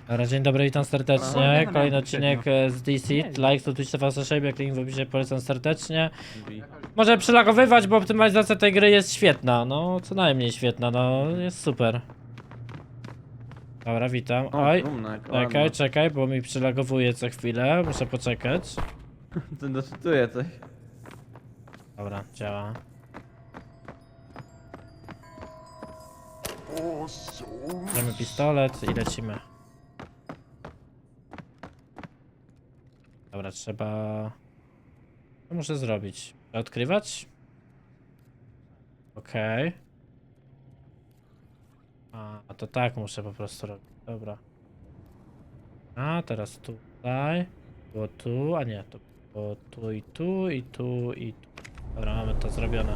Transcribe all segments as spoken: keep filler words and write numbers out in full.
Dobra, dzień dobry, witam serdecznie. Kolejny odcinek z D C. Like, to Twitch T V Szejb, jak link w opisie, polecam serdecznie. Może przylagowywać, bo optymalizacja tej gry jest świetna. No, co najmniej świetna, no, jest super. Dobra, witam. Oj, czekaj, czekaj, bo mi przylagowuje co chwilę, muszę poczekać. To doczytuję coś. Dobra, działa. Bierzemy pistolet i lecimy. Dobra, trzeba... Co muszę zrobić? Odkrywać? Okej. Okay. A, to tak muszę po prostu robić. Dobra. A, teraz tutaj. Było tu, a nie, to było tu i tu, i tu, i tu. Dobra, mamy to zrobione.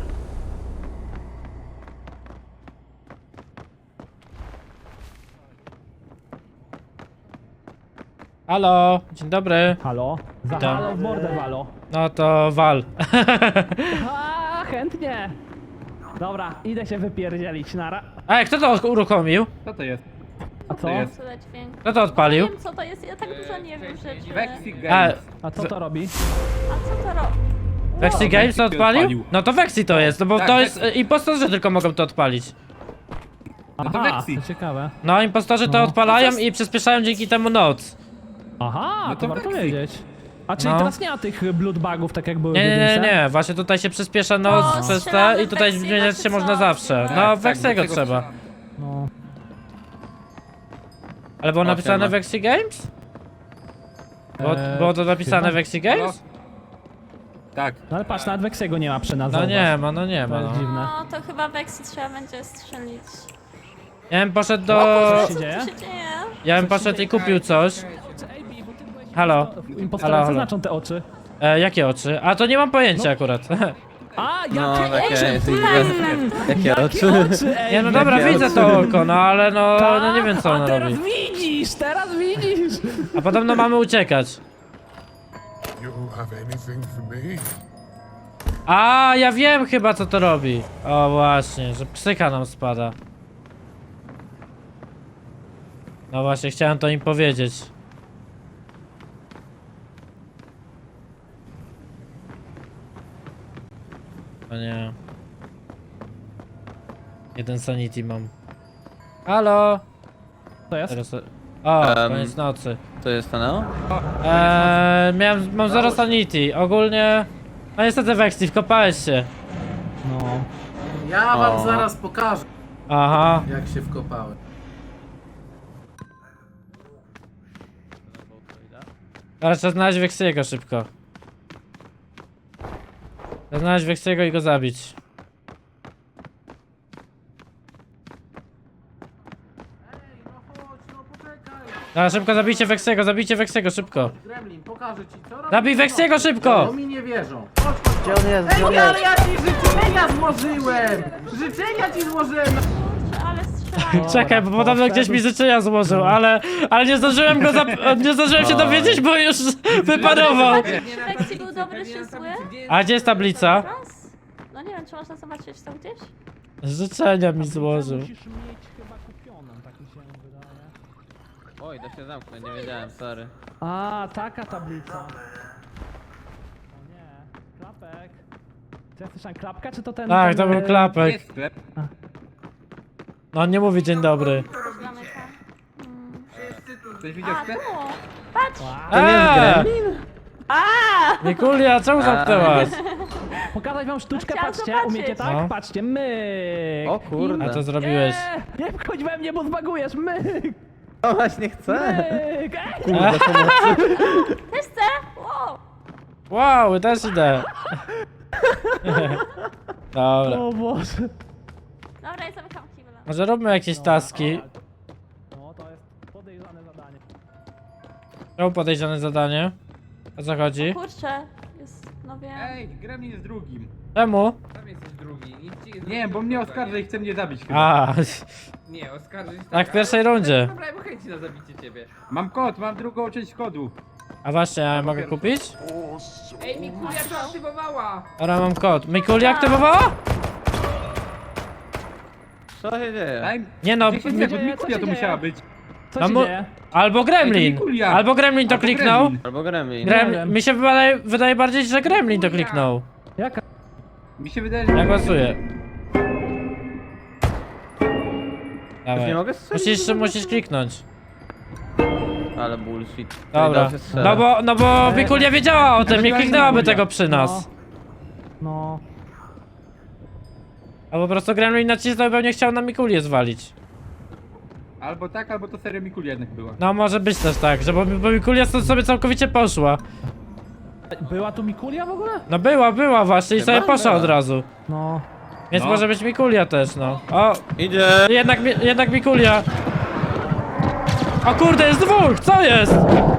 Halo, dzień dobry. Halo? Za Witam. halo w mordę walo. No to wal. A, chętnie. Dobra, idę się wypierdzielić, nara. Ej, kto to uruchomił? Co to jest? A co? jest? Tyle dźwięku. Kto to odpalił? Nie wiem co to jest, ja tak dużo nie wiem rzeczy. Vexi A, Games. A co to robi? A co to robi? Vexi Games to Vexi odpalił? odpalił. No to Vexi to jest, no bo Tak, to Vexi. jest e, impostorzy tylko mogą to odpalić. No to Aha, Vexi. to ciekawe. No, impostorzy to No. odpalają i przyspieszają dzięki temu noc. Aha, No to, to warto Vexi. wiedzieć. A czyli No. teraz nie ma tych bloodbugów, tak jak były Nie, w nie, nie, jedynce? nie, właśnie tutaj się przyspiesza noc O, przez te strzelamy i tutaj Vexiego, zmieniać się czy można co? zawsze. Tak, No, tak, Vexiego do tego trzeba. trzeba. No. Ale było O, napisane siema. Vexi Games? Było, Eee, było to napisane chyba. Vexi Games? Tak. No ale patrz, nawet Vexiego nie ma przy nas. No zauważ. nie ma, no nie To ma, jest no. dziwne. No to chyba Vexi trzeba będzie strzelić. Ja bym poszedł do... Co Co się dzieje? tu się dzieje? Ja bym poszedł i kupił coś. Halo. Impostora, Halo, co halo. znaczą te oczy? E, jakie oczy? A to nie mam pojęcia akurat. A, No, jakie takie, oczy? jesteś bez... Jakie Jakie oczy? oczy, ej, Nie no dobra, Jakie widzę oczy? to oko, no ale no, no nie wiem co A ono teraz robi. widzisz, teraz widzisz. A podobno mamy uciekać. You have anything for me? A ja wiem chyba co to robi. O właśnie, że psycha nam spada. No właśnie, chciałem to im powiedzieć. O nie. Jeden sanity mam. Halo! To jest? Teraz... O, Em. koniec nocy. To jest to no? Eee, miałem, mam zero sanity. Ogólnie... No niestety Vexi, wkopałeś się. No. Ja wam O. zaraz pokażę, Aha. jak się wkopałem. Ale trzeba znaleźć Vexiego szybko. Trzeba znaleźć Vexiego i go zabić. Ej, no chodź, no poczekaj. Dobra, szybko zabijcie Vexiego, zabijcie Vexiego, szybko. Gremlin, pokażę ci co robię. Zabij Vexiego szybko! No mi nie wierzą. Chodź, chodź, Gdzie chodź. on jest? Ej, Gdzie on no ale jest? ja ci życzenia złożyłem! Życzenia ci złożyłem! Kurczę, ale strzelają. Czekaj, bo Dobra, podobno poszedł. gdzieś mi życzenia złożył, ale... Ale nie zdążyłem go zap... Nie zdążyłem się dowiedzieć, bo już wyparował. Czy Vexi był dobry czy zły? A gdzie jest tablica? Raz? No nie wiem, czy można zobaczyć to gdzieś? Życzenia mi złożył. Musisz mieć chyba kupioną, tak mi się wydaje. Oj, da się zamknąć, nie wiedziałem, sorry. A, taka tablica. O nie, klapek. Czy ja słyszałem klapka, czy to ten... Tak, ten, to był e, klapek. Jest sklep. No on nie mówi dzień dobry. Zamykam. Mm. Ktoś widział A, sklep? tu! Patrz! To nie jest Eee! Gremlin? Mikulia, czemu zamknęłaś? Pokazać wam sztuczkę, Chciałam patrzcie, zobaczyć. umiecie tak? No. Patrzcie, myk. O kurde. A to zrobiłeś. Nie, nie wchodź we mnie, bo zbagujesz, myk, O, właśnie chcę. myk, ej. Kurde, pomocy. Też chcę? Wow! Wow, też idę. Dobra. O Boże. Dobra, i zamykam kibla. Może róbmy jakieś taski. No, to jest podejrzane zadanie. Czemu podejrzane zadanie? O co chodzi? Kurczę, jest, no wiem. Ej, Gremlin jest drugim. Czemu? Tam jesteś drugi. Nic ci Nie wiem, bo mnie oskarża i chce mnie zabić chyba. A, Nie, oskarżyć tak w pierwszej rundzie. Dobra, bo chęci na zabicie ciebie. Mam kod, mam drugą część kodu. A właśnie, ja mogę kupić? Ej, Mikulia to aktywowała! Dobra, mam kod. Mikulia aktywowała? Co się dzieje? Daj Nie no, dziesięć mi- sekund, dzieje? Mikulia Co to się musiała dzieje? być. Co No się mo- dzieje? Albo Gremlin. Mikulia. Albo Gremlin to Albo kliknął. Gremlin. Albo Gremlin. Nie Grem... wiem. Mi się wydaje, wydaje bardziej, że Gremlin to kliknął. Jaka? Mi się wydaje, że... Ja głosuję. Już nie Dawaj. mogę strzelić? Musisz, musisz kliknąć. Ale bullshit. Dobra. Dobrze strzelę. No bo, no bo Mikulia wiedziała o tym, nie kliknęłaby tego przy No. nas. No. A po prostu Gremlin nacisnął, pewnie chciał na Mikulię zwalić. Albo tak, albo to seria Mikulia jednak była. No może być też tak, że bo, bo Mikulia stąd sobie całkowicie poszła. Była tu Mikulia w ogóle? No była, była właśnie i Chyba sobie poszła była. od razu. No. Więc No. może być Mikulia też, no. O, Idzie! jednak, mi- jednak Mikulia. O kurde, jest dwóch, co jest?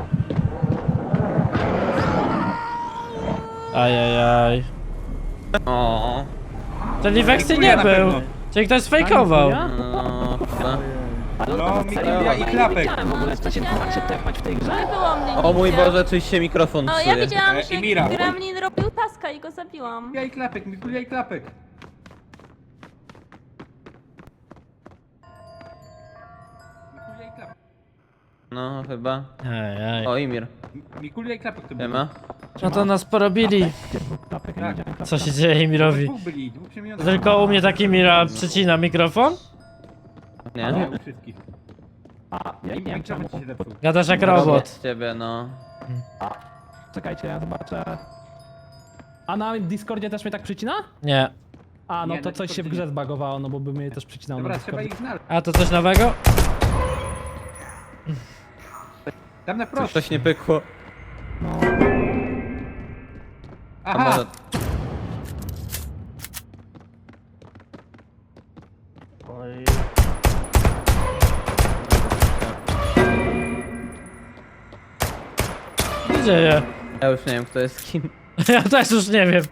Ajajaj. O. Czyli Vexy Mikulia nie na był. pewno. Czyli ktoś sfejkował. Mikulia? No, chyba. No, Mikulia i klapek. W ogóle chcecie się tepać w tej grze? Nie było mnie O mój nigdzie. Boże, czyś się mikrofon No ja psuje. widziałam, E, że i Mira. Gremlin robił taska i go zabiłam. Mikulia i klapek, Mikulia i klapek. Mikulia i klapek. No, chyba. Ajaj. O, Imir. Mikulia i klapek to było. Siema. No to nas porobili. Klapek, nie Tak. widziałem klapka. Co się dzieje Mirowi? Dwóch byli, dwóch przemienionych. Tylko u mnie taki Mira przycina mikrofon? Nie? Nie, u wszystkich. A, ja nie wiem czemu. Mikrofon ci się zepsuł. Gadasz jak Robot robot. z ciebie, no. Czekajcie, ja zobaczę. A na Discordzie też mnie tak przycina? Nie. A, no Nie, to na coś się w Discordzie grze nie. zbagowało, no bo by mnie też przycinało na Dobra, trzeba Discordzie. ich znaleźć. A to coś nowego? Tam na Coś, prosto. coś nie pykło. A Aha! może... Co się dzieje? Ja już nie wiem, kto jest kim. Ja też już nie wiem.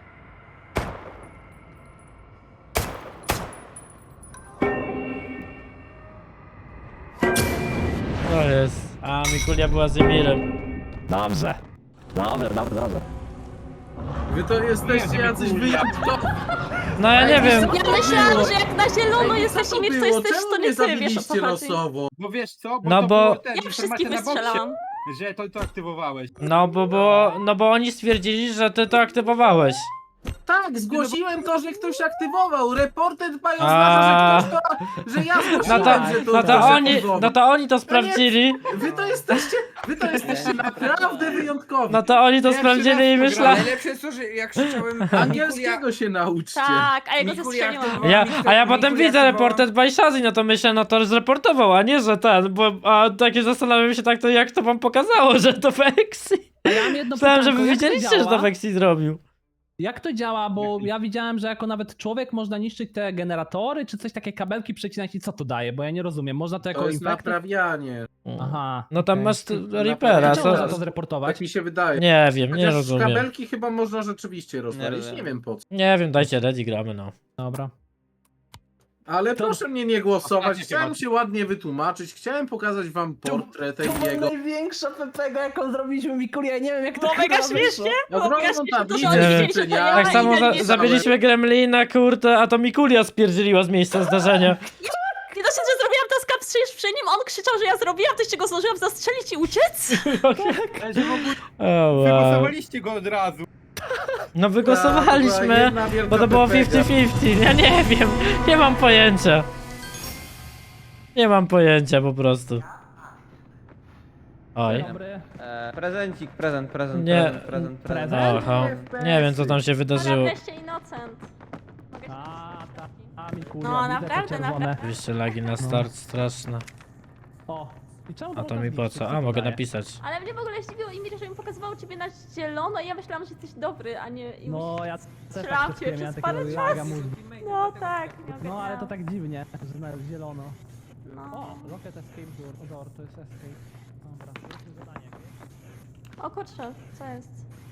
To jest. A Mikulia była z Emirem. Dobrze. Dobrze, dobrze, dobrze. Wy to jesteście jacyś wyjątkowi. No ja nie wiem. Ja myślałam, że jak na zielono Ej, jesteś co Imir, to było? jesteś, Czemu to nie nie ty, wiesz o zabiliście co chodzi. losowo? Bo wiesz co? Bo No to bo- było ten, Ja informacja wszystkich na boksie, wystrzelałam. że to, to aktywowałeś. No bo, bo, no bo oni stwierdzili, że ty to aktywowałeś. Tak, zgłosiłem to, że ktoś aktywował. Reporter dba i A. oznacza, że ktoś to... że ja No zgłosiłem, to, że to no to ktoś oni, aktywował. no to oni to sprawdzili. Wy to jesteście, wy to jesteście naprawdę wyjątkowi. No to oni to Pierwszy sprawdzili i raz myślałem. Najlepsze jest to, że jak krzyczałem Angielskiego się nauczcie. Tak, a ja go Mikulia zestrzeliłam. aktywowała. Ja, a ja Mikulia potem widzę aktywowała. reported by Shazzy, no to myślę, no to zreportował, a nie, że ten, bo a takie zastanawiam się tak, to jak to wam pokazało, że to Vexy. A ja mam jedno Myślałem, że pytanko, wy jak to wiedzieliście, że to działa? Vexy zrobił. Jak to działa, bo ja widziałem, że jako nawet człowiek można niszczyć te generatory, czy coś takie kabelki przecinać i co to daje, bo ja nie rozumiem. Można to jako To jest infektor... naprawianie. Aha. No tam okej. masz t- Reapera, Czemu można co? to zreportować? Tak mi się wydaje. Nie wiem, nie Chociaż rozumiem. kabelki chyba można rzeczywiście rozwalić, rozumiem. nie wiem po co. Nie wiem, dajcie ready, gramy no. Dobra. Ale proszę mnie nie głosować, Ostatnie chciałem temat. się ładnie wytłumaczyć, chciałem pokazać wam portret jego. największa Pepego, jaką zrobiliśmy Mikulia, ja nie wiem jak Było mega śmiesznie, było mega Ogromną śmiesznie, to, tablicę że oni Nie wiedzieli, wiem. że to życzenia. ja Tak i samo za nagle- zabiliśmy Gremlina, kurde, a to Mikulia spierdzieliła z miejsca zdarzenia. Nie dosyć, że zrobiłam taska przecież przy nim, on krzyczał, że ja zrobiłam, to jeszcze go zdążyłam zastrzelić i uciec. Ale że w ogóle O, wow. wygłosowaliście go od razu. No była wygłosowaliśmy, jedna wielka bo to było pepega. fifty fifty. Ja nie wiem, nie mam pojęcia. Nie mam pojęcia po prostu. Oj. Dobry. E, prezencik, prezent, prezent, Nie. prezent, prezent, prezent. Prezent? Oho. Nie wiem co tam się No wydarzyło. wreszcie Innocent. Mogę się A, ta, a Mikulia, No, widzę te naprawdę, czerwone. naprawdę. Oczywiście lagi na start straszne. O, i czemu A to można mi po zniszczyć? co? Co A to mogę daje? napisać. Ale mnie w ogóle zdziwiło Imir, że mi pokazywało ciebie na zielono i ja myślałam, że jesteś dobry, a nie... i No, ja też Strzelam tak cię miałem przez takiego parę laga czasu. mózgu. No tak. nie No, ale to ogarniałam. tak dziwnie, że na zielono. No. O, Rocket Escape Door, o, door, to jest escape. Dobra, to jest zadanie jakieś. O kurczę, co jest?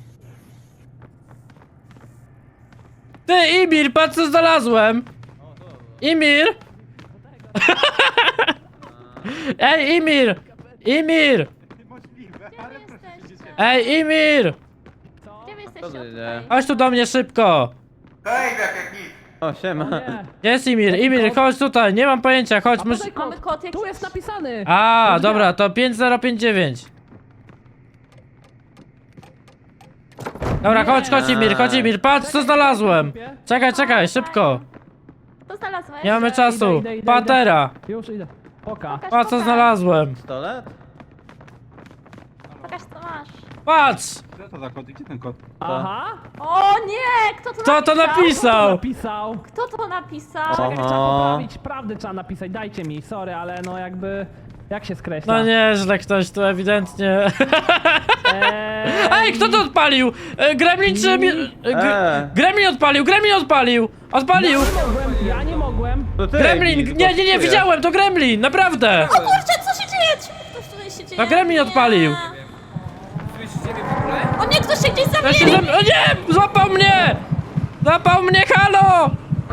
Ty Imir, patrz co znalazłem! Imir! Ej Imir! Imir! Możliwe, Gdzie ale wy proszę jesteście? się Ej Imir! Gdzie wy Co jesteście? to O, dzieje? tutaj. Chodź tu do mnie szybko! Hej, jak jak nic. O, siema. Nie. Gdzie jest Imir? Imir, chodź tutaj, nie mam pojęcia, chodź. A Mus... podaj Mamy kod. kod jakiś. Tu jest napisany. A, Już dobra, wiem. to pięć zero pięć dziewięć. Dobra, chodź, chodź Imir, chodź Imir, patrz co znalazłem. Czekaj, czekaj, szybko. Co znalazłeś? Nie mamy czasu. Idę, idę, idę, Patera. Już idę. Oka. Pokaż, Patrz co pokaż. znalazłem. Pistolet? Pokaż co masz. Patrz. Co to za kod? Gdzie ten kod? Aha. O nie! Kto to Kto to napisał? napisał? Napisał. Kto to napisał? Czekaj, trzeba Oho. poprawić. Prawdę trzeba napisać. Dajcie mi, sorry, ale no jakby... Jak się skreśla? No nieźle ktoś tu ewidentnie. Eee, Ej, kto to odpalił? E, Gremlin czy... mi- e, gr- Eee. Gremlin odpalił, Gremlin odpalił. Odpalił. Ja nie mogłem, ja nie mogłem. To ty, Gremlin, Emil, nie, nie, nie, to ty. widziałem, to Gremlin, naprawdę. Kurczę, co się dzieje? Czemu ktoś tutaj się dzieje? To Gremlin Nie. odpalił. Słyszycie mnie w ogóle? O nie, ktoś się gdzieś Ja się zamienił! zam- O nie! Złapał mnie! Złapał mnie, halo!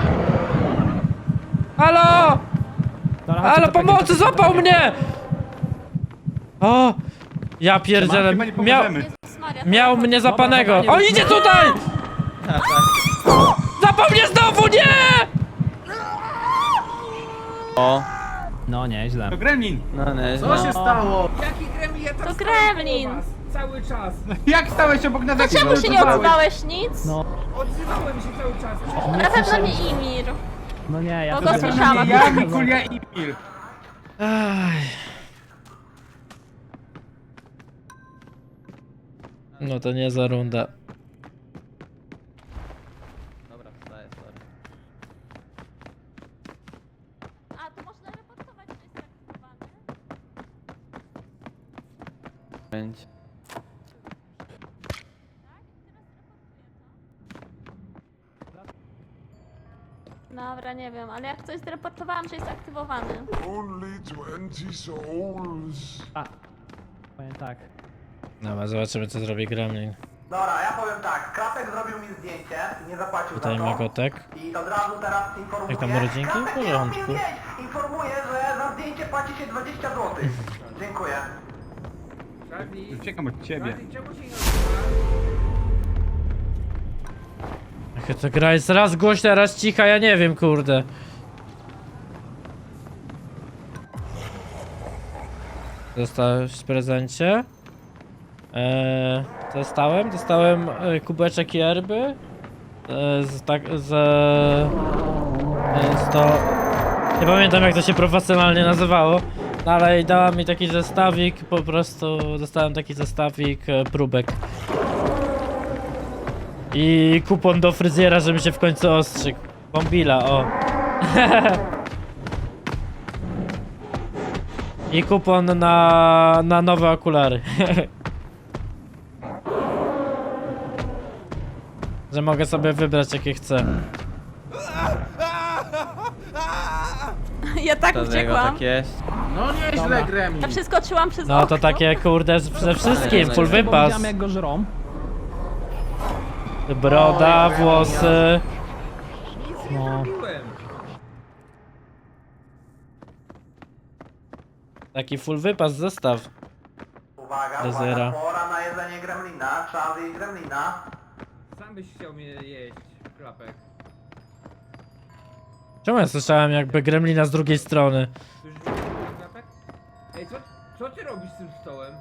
Halo! Dobra, chodźcie, Halo, to takie- pomocy, złapał mnie! O! Ja pierdzielę, Chyba nie miał, pomożemy. Jezus Maria, miał mnie zapanego. O, idzie tutaj! Złapał mnie znowu, nie! O, No nieźle. To Gremlin! no nie, Co się stało? Jaki gremlin? Ja tam To stałem gremlin. koło was Cały czas. Jak stałeś obok nas? To czemu się nie odzywałeś nic? No, Odzywałem się cały czas. Na pewno nie Imir. no nie, ja Bo to go nie- słyszałam. Ja, Mikulia i Mir. Aj. No to nie za runda. Dobra, wstaję, sorry. A, to można reportować, że jest aktywowany. Pięć. Dobra, nie wiem, ale jak coś zreportowałam, że jest aktywowany. Only twenty souls. A, powiem tak. Dobra, zobaczymy co zrobi Gremlin. Dobra, ja powiem tak, Krapek zrobił mi zdjęcie i nie zapłacił Tutaj za to. Magotek. I od razu teraz informuję. Jak tam rodzinki? W Krapek nie robi porządku. zdjęć! Informuję, że za zdjęcie płaci się dwadzieścia złotych. Dziękuję. Charlie, Uciekam od ciebie. Charlie, czemu się nie odzywa? Jaka ta gra jest raz głośna, raz cicha, ja nie wiem, kurde. Dostałeś w prezencie. Eee, dostałem, dostałem e, kubeczek yerby. E, z tak, z... E, z to... Nie pamiętam jak to się profesjonalnie nazywało. No ale dała mi taki zestawik, po prostu dostałem taki zestawik e, próbek. I kupon do fryzjera, żeby się w końcu ostrzygł. Bombila, o. I kupon na, na nowe okulary. Że mogę sobie wybrać jakie chcę. Ja tak To z niego uciekłam. tak jest. No nieźle, Gremlin. Ja przeskoczyłam przez No to okno. takie kurde z- ze wszystkim, full Bo wypas. widziałem jak go żrą. Broda, włosy. Nic nie No. zrobiłem. Taki full wypas zestaw. Uwaga, Fryzjera. uwaga, pora na jedzenie Gremlina. Trzeba zjeść Gremlina. Sam byś chciał mnie jeść, klapek. Czemu ja słyszałem jakby gremlina z drugiej strony? Słyszysz mnie, klapek? Ej, co, co ty robisz z tym stołem?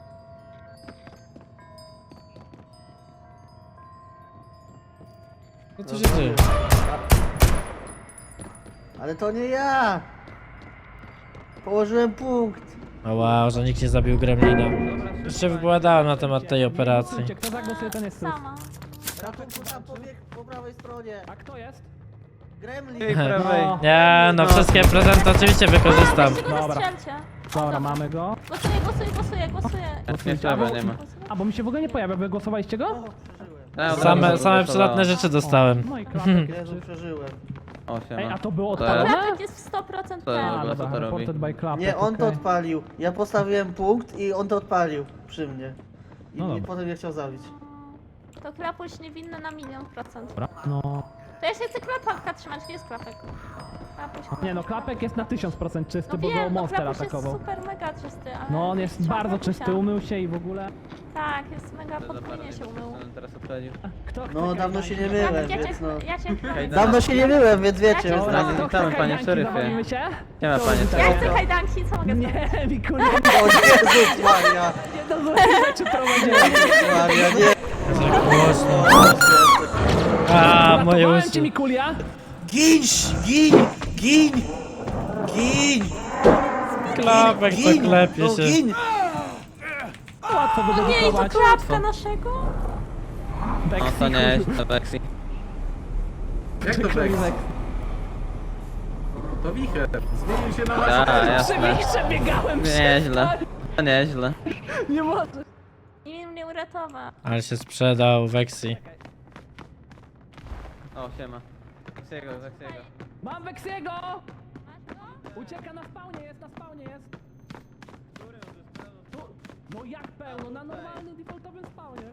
Co tu się dzieje? Ale to nie ja! Położyłem punkt. O wow, że nikt nie zabił gremlina. Już się wypowiadałem na temat tej operacji. Słuchajcie, kto zagłosuje, ten jest sus. Sama. Ratunku tam pobiegł po prawej stronie. A kto jest? Gremlin. Tej prawej. No. Nie, no wszystkie prezenty oczywiście wykorzystam. Weźcie go Dobra. zastrzelcie. Dobra, mamy go. Głosuję, głosuję, głosuję, głosuję. Nie trzeba, nie ma. A, bo mi się w ogóle nie pojawia, wy głosowaliście go? O, przeżyłem. Ja od razu Same, same zagłosowałem. przydatne rzeczy dostałem. No i klapek Jezu, jeszcze. przeżyłem. O, Ej, siema. a to było To ja- odpalone? Klapek jest w sto procent To ja ten. A, Dobra, co dobra, to robi? reported by klapek, Nie, on to okej. odpalił. Ja postawiłem punkt i on to odpalił przy mnie. I No mnie dobra. potem nie chciał zabić. To klapuś niewinny na milion procent. Dobra, no. To ja się chcę klapka trzymać, gdzie jest klapek? Klapuś, klapek. Nie no, klapek jest na tysiąc procent czysty, No bo go wiem, no monster klapuś jest atakował. super mega czysty, ale... No on jest trzeba bardzo klapusia. czysty, umył się i w ogóle. Tak, jest mega To za parę podwójnie się dni umył. będę teraz obchodził. Kto chce No dawno się nie Dawid, myłem, ja cię, więc no... ja cię chronię. Dawno się nie myłem, więc wiecie. Ja cię o co znam. chodzi. Kto Witamy, chce panie kajdanki? szeryfie. Zawalimy się? Nie ma, Kto panie rzuca? Ja szeryfie. chcę kajdanki, co mogę zrobić? Nie, Mikulia, O Jezus Maria! nie do złych rzeczy prowadziłem. Maria, nie! Tak głośno. A, moje Uratowałem cię, uszy. Mikulia. Gin! Gin! Gin! Gin! Klapek to klepie No się. gin! Łatwo O nie, i to wydedukować. klapka naszego? No to nie jest to Vexi. Jak to Vex? To wicher. Zmienił się na Tak, Przy jasne. wichce biegałem Nieźle. To nieźle. Nie może. Nie mnie uratował. Ale się sprzedał Vexi. O, siema. Vexiego, Vexiego. Mam Weksiego! Ucieka na spawnie, jest na spawnie, jest. Tu. No jak pełno, na normalnym defaultowym spawnie.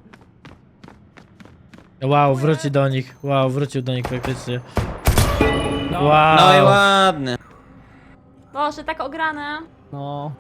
Wow, wróci do nich. Wow, wrócił do nich faktycznie. No. Wow. No i ładnie. Boże, tak ograne. No.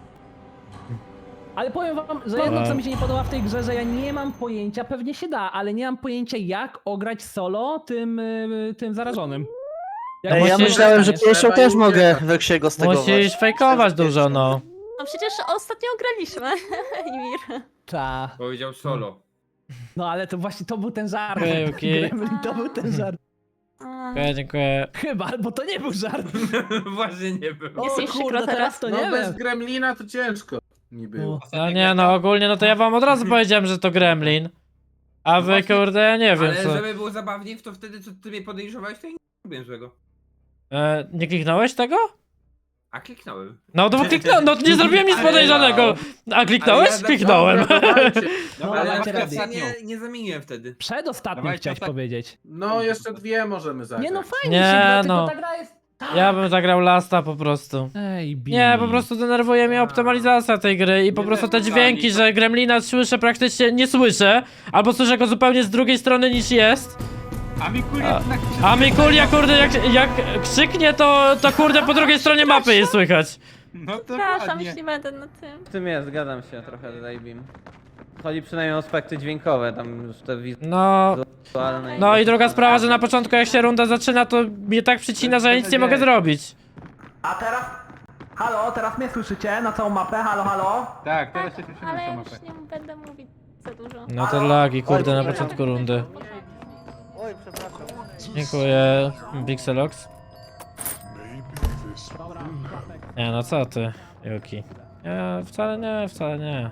Ale powiem wam, że jedno co mi się nie podoba w tej grze, że ja nie mam pojęcia, pewnie się da, ale nie mam pojęcia jak ograć solo tym, y, tym zarażonym. Jak Ej, ja musisz- myślałem, że dostaniesz? pierwszą też mogę Weksiego stegować. Musisz fejkować dużo, no. No przecież ostatnio graliśmy, Imir. Ta. Powiedział solo. No ale to właśnie to był ten żart. Okej, okej. Gremlin, to był ten żart. A, Dziękuję, dziękuję. Chyba, bo to nie był żart. Właśnie nie było. Jest O jeszcze kurde, kro teraz. teraz to No nie bez wiem. gremlina to ciężko mi było. No nie, no ogólnie, no to ja wam od razu powiedziałem, że to Gremlin. A wy, właśnie, kurde, ja nie wiem Ale co. żeby było zabawniej, to wtedy co ty mnie podejrzewałeś, to ja nie robię złego. E, nie kliknąłeś tego? A kliknąłem. No to kliknąłem, no nie zrobiłem nic podejrzanego. A kliknąłeś? Ale ja- Kliknąłem. No, Ale na dajcie przykład radę. nie, nie zamieniłem wtedy. Przedostatnim Dawajcie chciałeś ostat- powiedzieć. No jeszcze dwie możemy zagrać. Nie no fajnie Nie, się gra, no. tylko ta gra jest... Ja bym zagrał Lasta po prostu. Ej, Billy. Nie, po prostu denerwuje mnie optymalizacja tej gry i po Nie prostu te denerwowali, dźwięki, to- że Gremlina słyszę praktycznie nie słyszę, albo słyszę go zupełnie z drugiej strony niż jest. A Mikul A- jednak... A Mikulia, kurde, jak, jak krzyknie, to, to kurde po drugiej stronie mapy jest słychać. No to Przepraszam, ładnie. jeśli będę na tym. W tym jest, zgadzam się trochę tutaj, Bim. Chodzi przynajmniej o aspekty dźwiękowe, tam już te No, wizualne. no i druga sprawa, że na początku jak się runda zaczyna, to mnie tak przycina, że ja nic nie mogę zrobić. A teraz... Halo, teraz mnie słyszycie na całą mapę? Halo, halo? Tak, teraz się słyszymy Ale na ja mapę. już nie będę mówić za dużo. No to lagi, kurde, na początku rundy. Oj, przepraszam. Dziękuję, Pixelox. Maybe this Nie, no co ty, Yuki. Nie, wcale nie, wcale nie.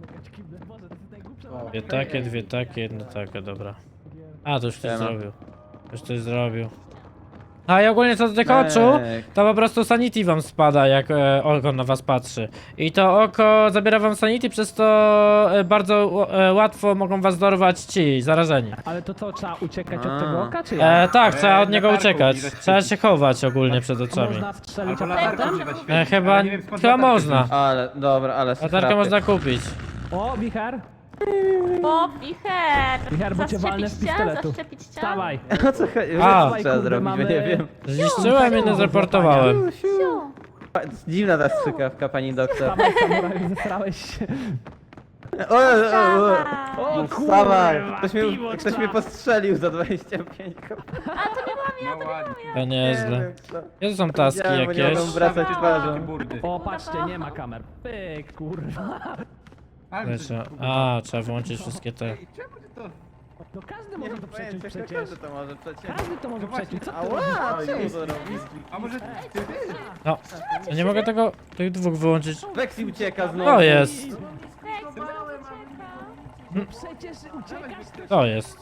Dwie takie, dwie takie, jedno takie, dobra. A, to już ktoś Siema. zrobił. Już ktoś zrobił. A i ogólnie co do tych oczu, to po prostu sanity wam spada, jak e, oko na was patrzy. I to oko zabiera wam sanity, przez to e, bardzo e, łatwo mogą was dorwać ci, zarażeni. Ale to co, trzeba uciekać A. od tego oka, czy jak? E, tak, trzeba od na niego targu uciekać. widać Trzeba się chować ogólnie przed A oczami. można strzelić Albo aparatem? latarką Dobrze używać E, świetnie, chyba, ale nie wiem, skąd chyba latarkę można. wziąć. Ale, dobra, ale Latarkę schrapy. można kupić. O, wicher. Bo wicher! Wicher, bo cię walnę z Zaszczepić cię? pistoletu. Zaszczepić cię? Wstawaj. O co chodzi? A. Co trzeba Kurde, zrobić, mamy- bo nie wiem. Zniszczyłem i nie zreportowałem. Siu. Dziwna ta strzykawka, pani doktor. Wstawaj, samuraju, zesrałeś się. O, o, o, o. Dawaj. O Wstawaj! kurwa, Ktoś mnie, piwo ktoś trzeba. mnie postrzelił za dwadzieścia pięć kopii. A to nie byłam ja, No ładnie. To nieźle. Gdzie to są taski Widziałem, bo nie jakieś? mogą wracać Takie twarzą. burdy. O, patrzcie, nie ma kamer. Pyk, kurwa. Ale Lecz, a, trzeba wyłączyć wszystkie te. Ej, czemu ty to... No każdy może to przeciąć przecież. Każdy to może przeciąć. Każdy to może No właśnie, przeciąć. Co ty Ała, robisz? czemu to robisz? A może ty... ty? No, ja nie mogę tego, tych dwóch wyłączyć. Vexi ucieka znowu. To jest, Hej, co ucieka? No przecież uciekasz też. to jest.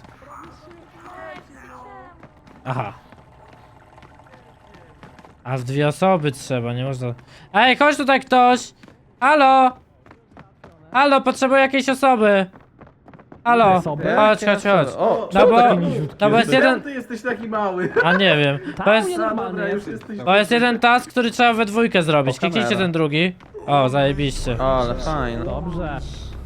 Aha. A w dwie osoby trzeba, nie można. Ej, chodź tutaj ktoś! Halo! Halo, potrzebuję jakiejś osoby! Halo! Osoby? Chodź, chodź, chodź. O, No bo, no bo jest jeden... Czemu ty jesteś taki mały? A nie wiem. Bo jest, nie No normalnie dobra, już jest. jesteś... bo jest jeden task, który trzeba we dwójkę zrobić. O, Kliknijcie kamera. ten drugi. O, zajebiście. O, ale fajnie. Dobrze.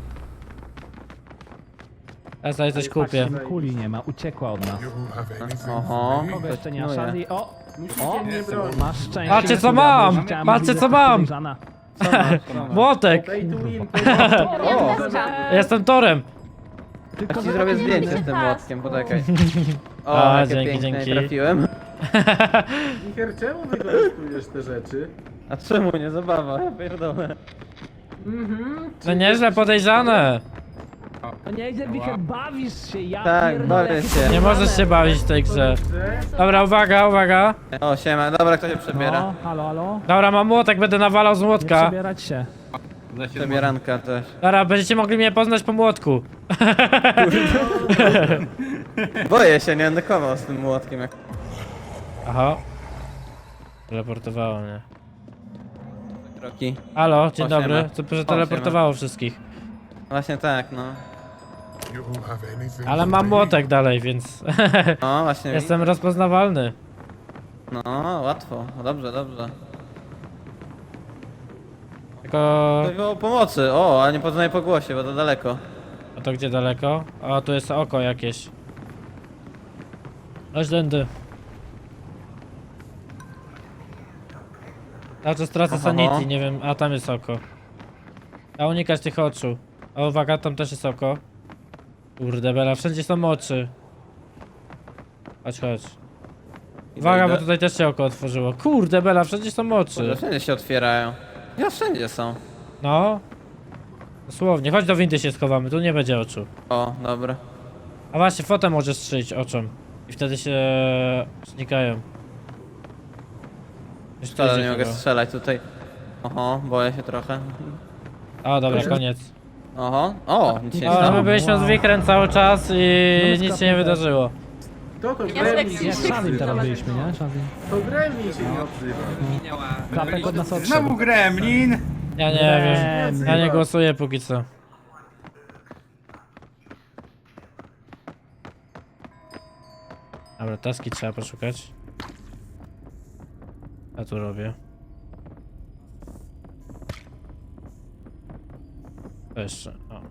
Ja sobie coś kupię. Kuli nie ma, uciekła od nas. you have anything Oho. for me? Kogo jeszcze nie ma? Pilnuje. Charlie? O! Musicie O! mnie bronić. Masz szczęście. Patrzcie, co Mikulia, bo mam! już chciałem Patrzcie, mówić, co że mam! podejrzana. Co masz? Co masz? Młotek! Pay to win. O, Jestem Torem! Tylko, ci że zrobię taki zdjęcie inny. z tym młotkiem, poczekaj. O, A, jakie dzięki, piękne, dzięki. trafiłem. Micher, czemu wykorzystujesz te rzeczy? A czemu nie? Zabawa, ja pierdolę. No nieźle podejrzane! To nieźle, Wicher, bawisz się, ja Tak, pierdolę, bawię jakie się. Nie możesz się bawić w tej grze. Dobra, uwaga, uwaga! O, siema, dobra, kto się przebiera? No, halo, halo. Dobra, mam młotek, będę nawalał z Nie młotka. przebierać się. Przebieranka też. Dobra, będziecie mogli mnie poznać po młotku. Boję się, nie będę kował z tym młotkiem jak... Aha. Teleportowało mnie. kroki. Halo, dzień O, dobry. siema. Co że O, teleportowało wszystkich. Właśnie tak, no. You have anything Ale for mam me? młotek dalej, więc No, właśnie. jestem rozpoznawalny. No, łatwo. No, dobrze, dobrze. Tylko... To było pomocy. O, a nie poznaję po głosie, bo to daleko. A to gdzie daleko? O, tu jest oko jakieś. Chodź tędy. Cały czas tracę Aha. sanity, nie wiem, a tam jest oko. A unikać tych oczu. O, uwaga, tam też jest oko. Kurde bela, wszędzie są oczy. Chodź, chodź. Uwaga, bo tutaj też się oko otworzyło. Kurde bela, wszędzie są Kurde, oczy. wszędzie się otwierają. Ja wszędzie są. No. Dosłownie, chodź do windy się schowamy, tu nie będzie oczu. O, dobra. A właśnie, fotę możesz strzelić oczom. I wtedy się znikają. Już tu Wcale idzie nie mogę chyba. strzelać tutaj. Oho, boję się trochę. O, dobra, koniec. Oho, o, nic się nie O, my stało. byliśmy z Wikrem cały czas i nic się nie wydarzyło. Kto to Ja Gremlin? z Jak Shazim teraz byliśmy, nie? Shazim. To Gremlin się nie odzywa. Klapek od nas Znowu odszedł. Gremlin! Ja nie wiem, ja nie głosuję póki co. Dobra, taski trzeba poszukać. Ja tu robię. To jeszcze, o.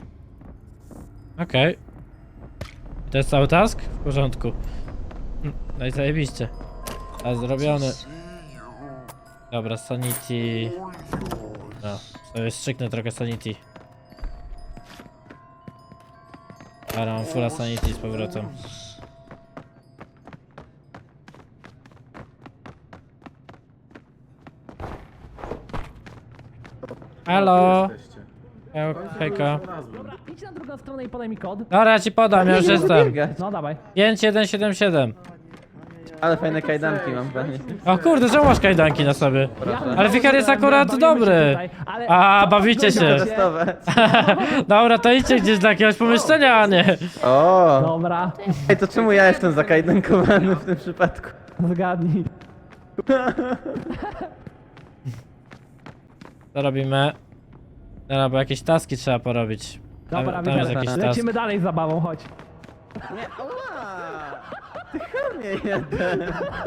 Okej. To jest cały task? W porządku. Hm, No i zajebiście. A zrobiony. Dobra, sanity. No, sobie strzyknę trochę sanity. Dobra, mam fulla sanity z powrotem. Halo! Hej- Hejka. Dobra, idź na drugą stronę i podaj mi kod. Dobra, ja ci podam, ja już jestem. Biegać. No dawaj. pięć jeden siedem siedem. Ale fajne kajdanki mam pewnie. O kurde, czemu masz kajdanki na sobie? Proszę. Ale Wikar jest akurat Bawimy się dobry. tutaj, ale- A, bawicie się. Testowe. Dobra, to idźcie gdzieś do jakiegoś pomieszczenia, a nie. O, Dobra, ej, to czemu ja jestem zakajdankowany w tym przypadku? zgadnij. Co robimy? Dobra, bo jakieś taski trzeba porobić. Tam, Dobra, tam jest Wikar, jakiś task. lecimy dalej z zabawą, chodź. Nie, oła! Ty chamie jeden.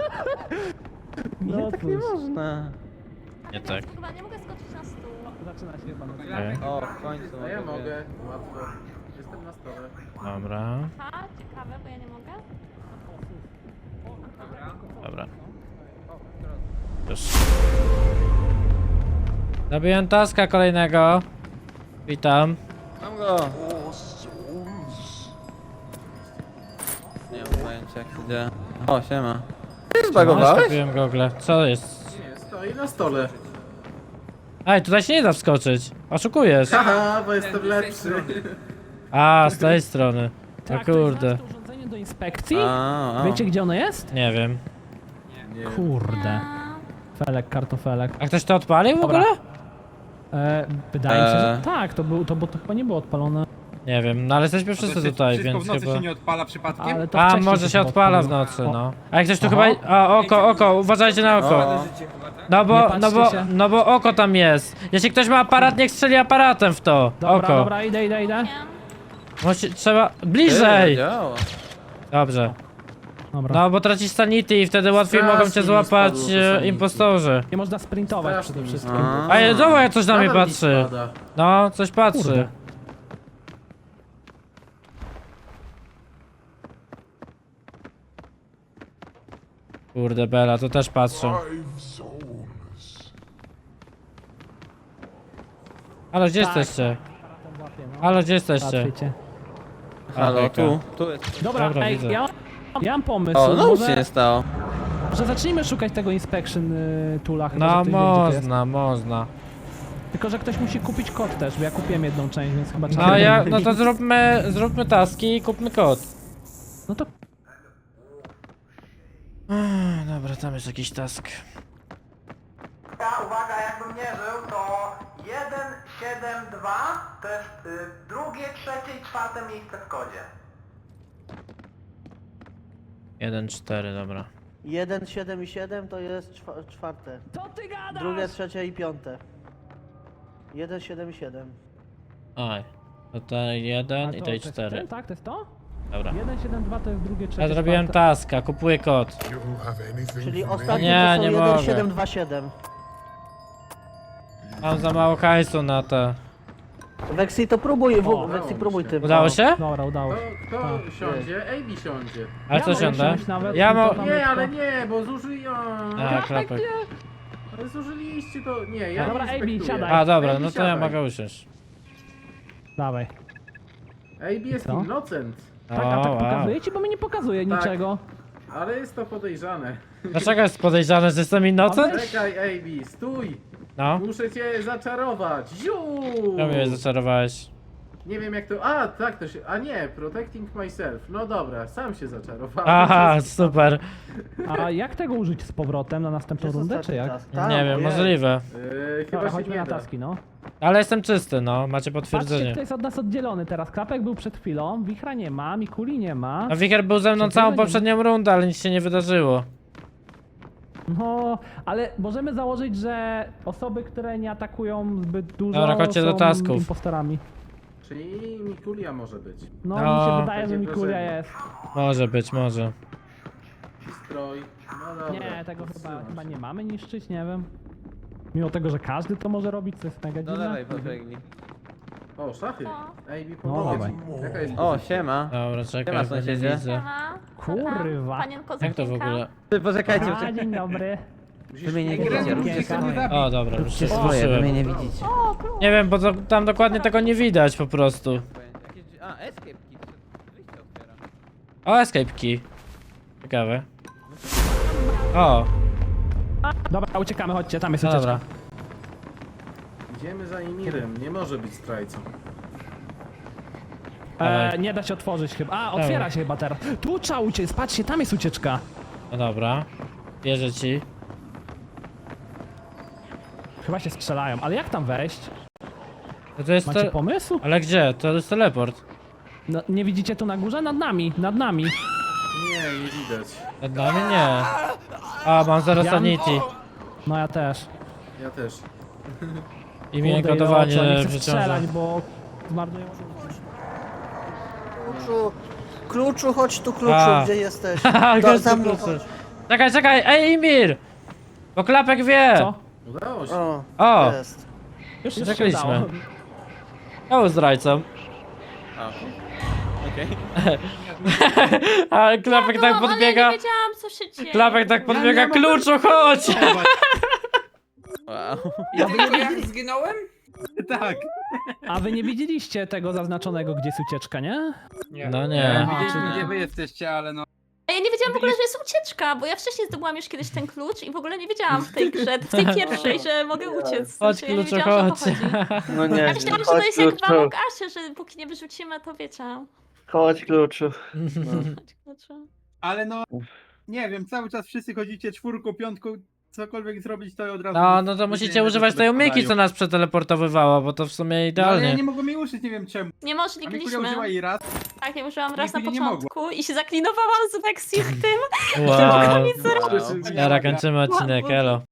No Nie, tak nie cóż. można. Nie tak. Chyba nie mogę skoczyć na stół. Zaczyna się chyba. Okej. O, w końcu A ja mogę. mogę, łatwo. Jestem na stole. Dobra, Ha, ciekawe, bo ja nie mogę. dobra. Już. Zabiłem taska kolejnego. Witam. Mam go. Nie mam pojęcia jak to działa. O, siema. Ty zbagowałeś? Kupiłem gogle. Co jest? Nie, stoi na stole. Ej, tutaj się nie da wskoczyć. Oszukujesz. Haha, bo jestem lepszy. A, z tej strony. O Tak, to jest kurde. nasze urządzenie do inspekcji. A, a. Wiecie gdzie ono jest? Nie wiem. Kurde. Felek, kartofelek. A ktoś to odpalił w Dobra. ogóle? E, wydaje mi się, że Eee. tak, to, był, to, bo to chyba nie było odpalone. Nie wiem, no ale jesteśmy wszyscy tutaj, Wszystko więc w nocy chyba... się nie odpala przypadkiem? Ale to A, wcześniej może się chyba odpala w odpaliło. nocy, O, no. A jak ktoś tu Aha. chyba... A, oko, oko, uważajcie na oko. O, No bo, Nie no bo, patrzcie się. no bo oko tam jest. Jeśli ktoś ma aparat, niech strzeli aparatem w to. Dobra, Oko. dobra, idę, idę, idę. Musi, trzeba... ty, Bliżej! działa. Dobrze. Dobra. No bo tracisz sanity i wtedy łatwiej Strasznie mogą cię mi złapać spadło to e, sanity. impostorzy. Nie można sprintować przede wszystkim. A. A zobacz, coś na mnie Nadal mi patrzy. spada. No, coś patrzy. Kurde. Kurde Bela, to też patrzą. Five souls. Halo, gdzie Tak. jesteście? Aparatem łapię, no. Halo, gdzie jesteście? Patrzycie. Halo, Hejka. tu, tu jest. Dobra, Dobra, ej, widzę. ja, ja mam pomysł. O, no nic się może, nie stało. że zacznijmy szukać tego inspection y, toola. Chyba, że No ktoś wie, gdzie to jest. można, można. Tylko, że ktoś musi kupić kod też, bo ja kupiłem jedną część, więc chyba trzeba... No ja, no to zróbmy, zróbmy taski i kupmy kod. No to Ech, Dobra, tam jest jakiś task. Ja, uwaga, jakbym nie żył, to jeden siedem dwa to jest y, drugie, trzecie i czwarte miejsce w kodzie. jeden cztery, dobra. jeden, siedem i siedem to jest czwa- czwarte. Co ty gadasz? Drugie, trzecie i piąte. jeden, siedem i siedem. Oj. To ten jeden i to tej jest cztery. ten, tak, to jest to? Dobra. jeden siedem dwa to jest drugie, trzecie, Ja zrobiłem czwarte. taska, kupuję kod. You have anything Czyli for me? ostatnie Nie, to są nie jeden, mogę. siedem, dwa, siedem. Mam za mało hajsu na to. Weksy to próbuj, w, O, Weksy próbuj tym. Udało się? Dobra, udało Kto, się. kto Tak. siądzie? Amy siądzie. Ale Ja co mogę siądę? siąść nawet, Ja to mo... tam- Nie, ale nie, bo zużyją. A, klapek. Ale zużyliście to. Nie, ja Dobra, nie Amy, inspektuję. siadaj. A, dobra, Amy, no to ja siadaj. mogę usiąść. Dawaj. Amy jest Co? innocent, Tak, a tak O, wow. pokazuje ci, bo mi nie pokazuje Tak. niczego. ale jest to podejrzane. Dlaczego jest podejrzane, że jestem innocent? Czekaj, Amy, stój! No. Muszę cię zaczarować. Ziu! Ja mnie zaczarowałeś. Nie wiem jak to. A, tak to się. A nie, protecting myself. No dobra, sam się zaczarowałem. Aha, super. A jak tego użyć z powrotem na następną Jest rundę, czy ostatni jak? task. Tam, Nie wiem, ojej. możliwe. Yy, chyba Dobra, się chodźmy nie na da. taski, no. Ale jestem czysty, no. Macie Patrzcie, potwierdzenie. kto jest od nas oddzielony teraz. Klapek był przed chwilą, Wichra nie ma, Mikuli nie ma. A Wicher był ze mną Przecież całą nie ma. poprzednią rundę, ale nic się nie wydarzyło. No, ale możemy założyć, że osoby, które nie atakują zbyt dużo, Dobra, chodźcie do są tasków. impostorami. Czyli Mikulia może być. No, No. mi się wydaje, że Takie Mikulia wrażenie. jest. Może być, może. Stroj. No dobra. Nie, tego chyba, chyba nie mamy niszczyć, nie wiem. Mimo tego, że każdy to może robić, co jest mega Do dziwne. lewej podbiegnij. O, szachy. No. Amy, No, pomogę dawaj. ci. Jaka jest O, pozycja? siema. Dobra, Nie czekaj, ma bo nie sąsiedzie? widzę. Siema. Kurwa. Panienko Jak to w Zofienka. ogóle? Ty, poczekajcie, A, poczekajcie. dzień dobry. Musisz... Wy mnie nie Ej, widzicie, róbcie Okienka. swoje. O, dobra, już się Swoje, wy mnie zgłosiłem. nie widzicie. O, król. Nie wiem, bo to, tam dokładnie tego nie widać po prostu. Jakieś... A, escape key. Wyjście otwiera. O, escape key. Ciekawe. O, Dobra, uciekamy, chodźcie, tam jest no ucieczka. dobra. Idziemy za Imirem, nie może być zdrajcą. E, Dawaj. nie da się otworzyć chyba. A, otwiera Dawaj. się chyba teraz. Tu trzeba uciec, patrzcie, tam jest ucieczka. No dobra. Wierzę ci. Chyba się strzelają, ale jak tam wejść? No to jest Macie to... pomysł? Ale gdzie? To jest teleport. No, nie widzicie tu na górze? Nad nami, nad nami. Nie, nie widać. Nad nami nie. A, mam zaraz Ja- sanity. No ja też. Ja też. I mnie Kurde, kodowanie ile oczu, nie chcę przeciąża. strzelać, bo zmarnują. Kluczu, kluczu, chodź tu, kluczu, A. gdzie jesteś? Haha, Do, gościu, za mną proszę. chodź. Czekaj, czekaj, ej Imir! Bo Klapek wie! Co? Udało się. O, O! jest. Już, już się Czekaliśmy. udało. Ja był zdrajcą. A, okej. A Klapek tak No, ale podbiega. ja nie wiedziałam, co się dzieje. Klapek tak podbiega, nie mogę- kluczu, chodź! Wow. Ja tylko jak zginąłem? Tak. A wy nie widzieliście tego zaznaczonego, gdzie jest ucieczka, nie? No nie. Aha, Widzieliśmy, czyli- gdzie wy jesteście, ale no. A ja nie wiedziałam w ogóle, że jest ucieczka, bo ja wcześniej zdobyłam już kiedyś ten klucz i w ogóle nie wiedziałam w tej grze, w tej pierwszej, że mogę uciec. Chodź, Znaczy, ja nie kluczu, wiedziałam, że o chodź. to chodzi. No nie, Ja myślałam, że to jest jak w Among Usie, że póki nie wyrzucimy, to wiecie. Chodź, kluczu. Chodź, kluczu. Ale no, nie wiem, cały czas wszyscy chodzicie czwórką, piątką, cokolwiek zrobić, to od razu... No, no to musicie używać tej umyki, co nas przeteleportowywało, bo to w sumie No, ale ja idealnie. nie mogłem jej użyć, nie wiem czemu. Nie A Mikulia użyła możlibyśmy. jej raz. Tak, ja użyłam raz na Nigdy nie mogła. początku i się zaklinowałam z Vexi w tym. Wow. Nic zrobić. Dobra, kończymy odcinek, elo.